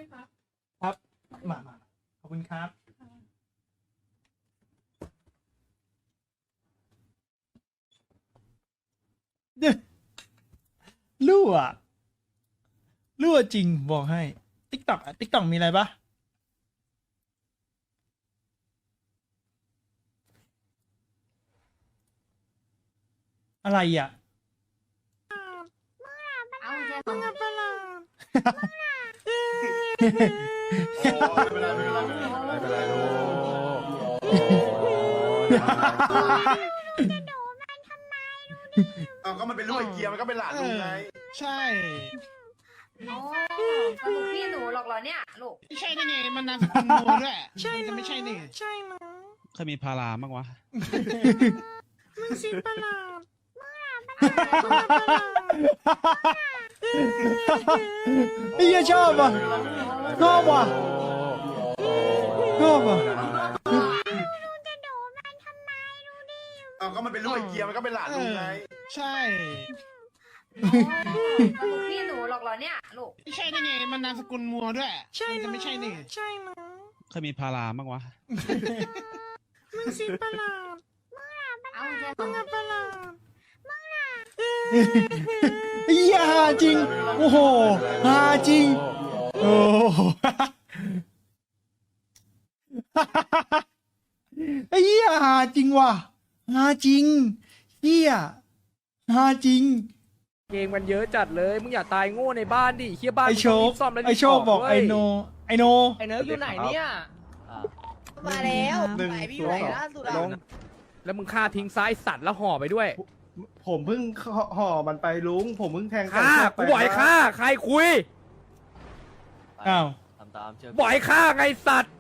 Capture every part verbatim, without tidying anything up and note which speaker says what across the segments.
Speaker 1: ครับมามาขอบคุณครับรั่วรั่วจริงบอกให้ติ๊กต็อกติ๊กต็อกมีอะไรปะอะไรอ่ะ
Speaker 2: เอาแค่สอง
Speaker 3: ไม่เป็นไรไม่เป็นไรไม่เป็นไรลูก
Speaker 4: เอาก็มันเป็นลูกไอ้เกียร์มันก็เป็นหลานลุงไง
Speaker 1: ใช่
Speaker 2: โอ้สรุปพี่หนูหรอกเหรอเนี่ยลูก
Speaker 1: ไม่ใช่ได้ไงมันนามสกุลโมด้วยใช่จะไม่ใช่นี่ใช่นะ
Speaker 5: เคยมีพาราบ้างวะ
Speaker 1: มันสิประหลาดไอ้เหี้ยชอบอ่ะชอบว่ะชอบอ่ะ
Speaker 4: เอาก็มันเป็นลูกไอ้เกียร์มันก็เป็นหลานลุงไง
Speaker 1: ใช่
Speaker 2: สรุปพี่หนูหรอกเหรอเนี่ยลูก
Speaker 1: ไม่ใช่ได้ไงมันนามสกุลมัวด้วยใช่จะไม่ใช่นี่ใช่นะ
Speaker 5: เคยมีพาราบ้างวะ
Speaker 1: มันสิประหลาด
Speaker 2: เอาแค่สอง
Speaker 1: ประหลาดไอ้เหี้ยฮาจริงโอ้โหฮาจริงโอ้โหไอ้เหี้ยฮาจริงว่ะฮาจริงเหี้ยฮาจริง
Speaker 6: เกมมันเยอะจัดเลย มึงอย่าตายโง่ในบ้านดิเฮียบ้าน
Speaker 1: ไอโชค
Speaker 6: มึงต้องรีบซ่อมแล้ว
Speaker 1: ไอโชคบอกไอโนไอโน
Speaker 6: ไอเนิร์กอยู่ไหนเนี่ย
Speaker 7: มาแล้ว
Speaker 3: หนึ่ง
Speaker 7: ไหนพี่อ
Speaker 3: ศู
Speaker 7: ยู่
Speaker 3: น
Speaker 7: ไหน
Speaker 3: ย์สอง
Speaker 7: ล่าสุด
Speaker 6: ล
Speaker 7: อะ
Speaker 6: ง แล้วมึงฆ่าทิ้งซ้ายสัตว์แล้วห่อไปด้วย
Speaker 3: ผมเพิ่งห่อมันไปลุงผมเพิ่งแทง
Speaker 6: ฆ่า
Speaker 3: แทง
Speaker 6: กูบ่อยฆ่าใครคุย
Speaker 1: อ้าว
Speaker 8: ทำตามเชื่อ
Speaker 6: บ่อยฆ่าไงสัตว์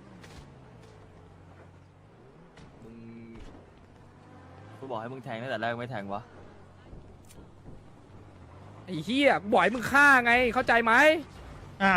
Speaker 8: มึงกูบอกให้มึงแทงตั้งแต่แรกไม่แทงวะ
Speaker 6: ไอ้เฮียกูบ่อยมึงฆ่าไงเข้าใจไหม
Speaker 1: อ้าว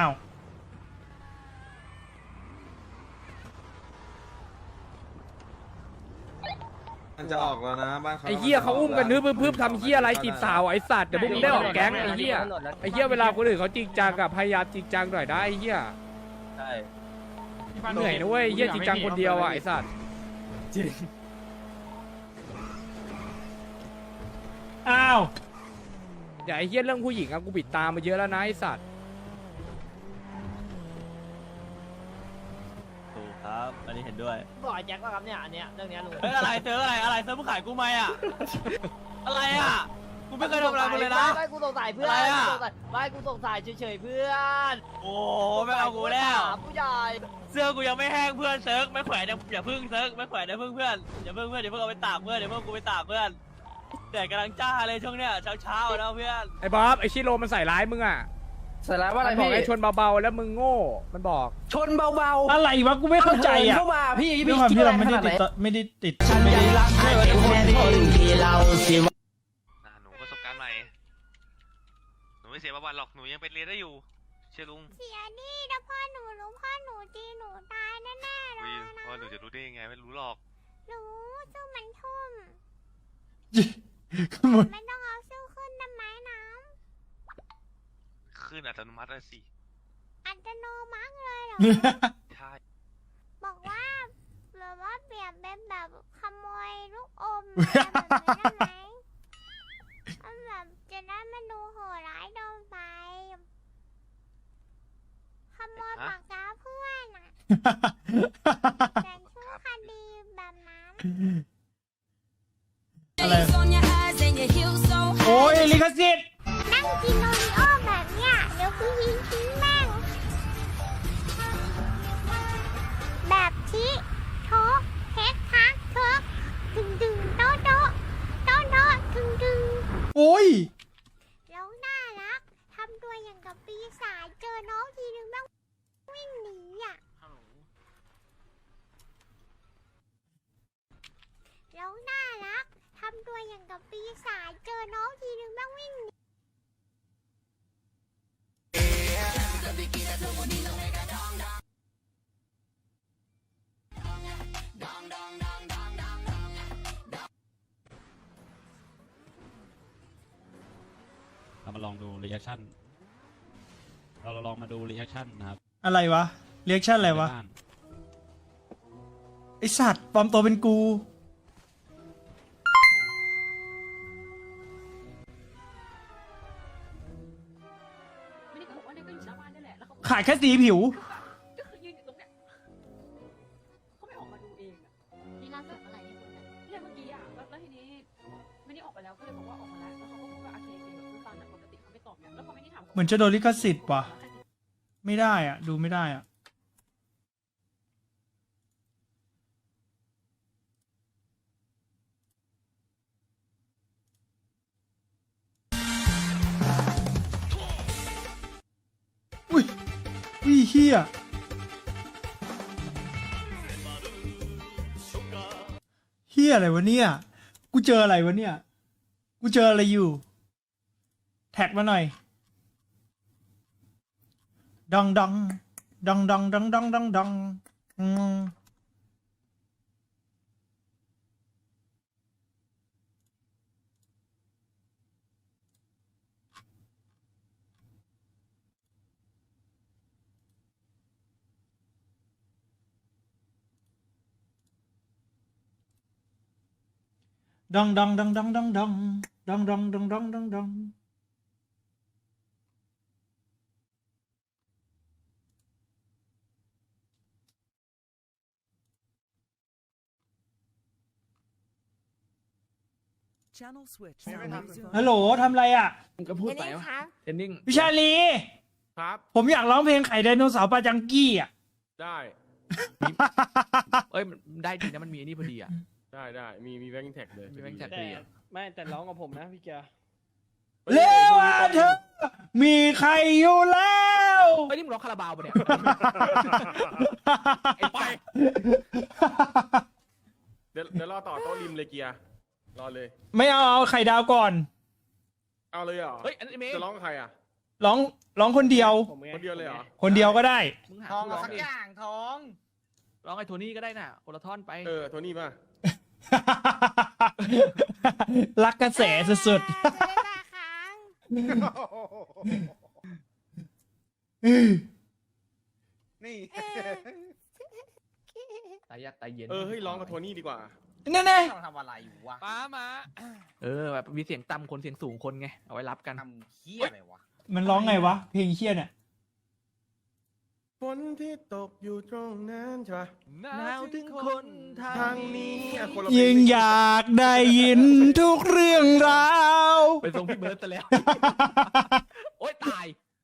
Speaker 3: มันจะออกแล้วนะบ้านเขา
Speaker 6: ไอ้เฮียเขาอุ้มกันนึบพึบๆทำเฮียอะไรจีบสาวไอ้สัตว์เดี๋ยวพวกมึงได้ออกแก๊งไอ้เฮียไอ้เฮียเวลาคนอื่นเขาจริงจังกับพยายามจริงจังหน่อยได้ไอ้เฮีย
Speaker 8: ใช่
Speaker 6: เหนื่อยนะเว้ยเฮียจริงจังคนเดียวอ่ะไอ้สัตว์
Speaker 1: อ้าว
Speaker 6: เดี๋ยวไอ้เฮียเรื่องผู้หญิงอะกูปิดตามาเยอะแล้วนะไอ้สัตว์
Speaker 8: ถูกครับ อันนี้เห็นด้วย
Speaker 7: บอกไอ้แจ็คว่าครับเนี่ยอันเนี้ยเรื่องเนี้ยลุง
Speaker 8: เฮ้ยอะไรเจออะไรอะไรเซิร์ฟมึงขายกูไหมอ่ะ อะไรอ่ะ กูไม่เคยทำอะไรมึงเลยนะ
Speaker 7: ไม่ไม่กูสงสัยเพื่อน
Speaker 8: อะไรอะ
Speaker 7: กูสงสัยไม่กูสงสัยเฉยๆเพื่อน
Speaker 8: โอ้ไม่เอากูแล้ว
Speaker 7: ถามผู้ใหญ่
Speaker 8: เสื้อกูยังไม่แห้งเพื่อนเซิร์ฟไม่แขวนอย่าอย่าพึ่งเซิร์ฟไม่แขวนอย่าพึ่งเพื่อนอย่าพึ่งเพื่อนอย่าพึ่งเอาไปตากเพื่อนอย่าพึ่งกูไปตากเพื่อนแดดกำลังจ้าเลยช่วงเนี้ยเช้าเช้าๆนะเพื่อน
Speaker 6: ไอ้บ๊อบไอ้ชิโร่มันใส่ร้ายมึงอ่ะ
Speaker 7: ใส่ร้ายว่าอะไร
Speaker 6: มันบอก
Speaker 7: พี่
Speaker 6: ไอ้ชนเบาๆแล้วมึงโง่มันบอก
Speaker 7: ชนเบา
Speaker 1: อะไรวะกูไม่เข้าใจอ่ะ
Speaker 7: เข้ามาพี่
Speaker 1: ด้วยความที่เราไม่ได้ติดต่อไม่ได้ติดไม่ได้
Speaker 7: รักเธอแค่ที่เราสิ
Speaker 9: อ่ะหนูประสบการณ์ใหม่ หนูไม่เสียประวัติหรอก หนูยังเป็นเรียนได้อยู่ เชื่อลุง
Speaker 3: เสียดิถ้าพ่อหนูรู้พ่อหนูตีหนูตายแน่ๆเล
Speaker 9: วี
Speaker 3: ย
Speaker 9: พ่อหนูจะรู้ได้ยังไงไม่รู้หรอก
Speaker 3: รู้สู้มันทุ่ม
Speaker 1: ขโมย
Speaker 3: ไม่ต้องเอาสู้ขึ้นทำไมน้
Speaker 9: ขึ้นอัตโนมัติเลยสิ
Speaker 3: ำอัตโนมัติเลยเหรอ
Speaker 9: ใช่
Speaker 3: บอกว่าแบบว่าเปรียบเป็นแบบขโมยลูกอมอะไรแบบนี้ได้ไหมมันแบบจะได้มาดูโหดร้ายโดนไปขโมยปากกาเพื่อนอ่ะแต่ชื่อคดีแบบนั้น
Speaker 1: อะไรโอ้ยลิขสิทธิ์
Speaker 3: นั่งกินโอริโอแบบเนี้ยเดี๋ยวพี่ยิงทิ้งแม่งแบบที่โทกเทคทักเทิกดึงดึงโต๊ะโต๊ะโต๊ะโต๊ะดึงดึง
Speaker 1: โอ้ย
Speaker 3: แล้วน่ารักทำตัวอย่างกับปีศาจเจอน้องทีนึงแม่งวิ่งหนีอ่ะแล้วน่ารักทำตัวอย่างกับปีศาจเจอน้องทีนึงแม่งวิ่งหนี
Speaker 5: เรามาลองดูรีแอคชั่น เราลองมาดูรีแอคชั่นนะครับ
Speaker 1: อะไรวะเรียกชั่นอะไรวะ
Speaker 5: บ้าน
Speaker 1: ไอสัตว์ปลอมตัวเป็นกู
Speaker 2: ไม่ได้เขาบอกว่าเนี่ยก็อยู่หน้าบ้านนี่แหละแล้วเขา
Speaker 1: ขายแค่สีผิว
Speaker 2: ก็คือยืนอยู่ตรงเนี้ยเขาไม่ออกมาดูเองอะ
Speaker 3: นี่ล่าสุดเมื่อไหร่ที่คุณน่ะ
Speaker 2: เนี่ยเมื่อกี้อะแล้วแล้วทีนี้ไม่ได้ออกไปแล้วก็เลยบอกว่าออกมาแล้วแล้วเขาก็พูดว่าโอเคโอเคแบบพูดตามแต่ปกติเขาไม่ตอบเนี่ยแล้วพอไม่ได้ถาม
Speaker 1: เหมือนจะโดนลิขสิทธิ์ว่ะ ไม่ได้อ่ะ ดูไม่ได้อ่ะ อุ้ยอุ้ยเฮียเฮียอะไรวะเนี่ย กูเจออะไรวะเนี่ย กูเจออะไรอยู่ แท็กมาหน่อยดองดองดองดองดองดองดองดองอืมดองดองดองดองดองดองดองดองดองดองดองดองฮัลโหลทำไรอ่ะ
Speaker 6: มึงก็พูดไป
Speaker 3: เดี๋ยว
Speaker 6: วะ
Speaker 3: นี้ครับ
Speaker 6: เทนนิ่ง
Speaker 1: วิชาลี
Speaker 10: ครับ
Speaker 1: ผมอยากร้องเพลงไข่ไดโนเสาร์ปาจังกี้อ่ะ
Speaker 10: ได้
Speaker 6: เอ้ยมันได้ดีนะมันมีไอ้นี่พอดีอ่ะ
Speaker 10: ได้ได้มีมีแบงค์แท็กเลย
Speaker 6: มีแบงค์แท็ก
Speaker 10: ดี
Speaker 6: ดีอ่ะ
Speaker 7: ไม่แต่ร้องกับผมนะพี่เกียร์
Speaker 1: เร็วอ่ะเธอ มีใครอยู่แล้ว
Speaker 6: เอ้ยนี่มึงร้องคาราบาวปะเนี่ย ไอ้ไป
Speaker 10: เดี๋ยวเดี๋ยวรอต่อโต๊ะริมเลยเกียร์รอเลย
Speaker 1: ไม่เอาเอาไข่ดาวก่อน
Speaker 10: เอาเลยเหรอ
Speaker 6: เฮ้ยอันนี้เมย์
Speaker 10: จะร้องกับใครอ่ะ
Speaker 1: ร้องร้องคนเดียว
Speaker 10: คนเดียวเลยเหรอ
Speaker 1: คนเดียวก็ได้
Speaker 6: มึงหา
Speaker 7: ทอง
Speaker 6: ร้
Speaker 7: เอา
Speaker 6: อง
Speaker 7: สัก
Speaker 6: ดิ
Speaker 7: อย่างทอง
Speaker 6: ร้องไอ้โทนี่ก็ได้น่ะโอลาท่อนไป
Speaker 10: เออโทนี่มา
Speaker 1: รักกระแสสุด
Speaker 3: เดี๋ยวได้ค้าง
Speaker 1: ๆ
Speaker 4: นี่
Speaker 6: ตายยากตายเย็น
Speaker 10: เออเฮ้ยร้องกับโทนี่ดีกว่า
Speaker 1: แน่
Speaker 7: ต้องทำอะไรอยู่วะ
Speaker 8: ป้ามา
Speaker 6: เออแบบมีเสียงต่ำคนเสียงสูงคนไงเอาไว้รับกัน
Speaker 7: ทำเฮี้ยอะไรวะ
Speaker 1: ๆมันร้องไงวะ เพลงเชี่ยเนี่ย
Speaker 10: ฝนที่ตกอยู่ตรงนั้นใช่ปะ
Speaker 6: หนาวถึงคนทา
Speaker 10: ทาง ง
Speaker 6: นี้
Speaker 10: นี้อ่ะคนละเพล
Speaker 1: ยิ่ง
Speaker 10: สิ
Speaker 1: อยากได้ยินทุกเรื่องราว
Speaker 6: ไปส่งพี่เบิร์ดซะแล้ว โอ๊ยตาย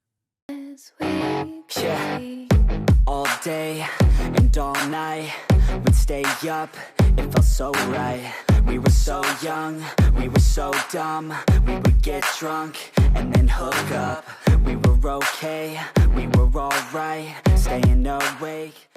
Speaker 7: Yeah. All day and all night we'd stay up, it felt so right. We were so young, we were so dumb. We would get drunk and then hook up. We were okay, we were alright, staying awake.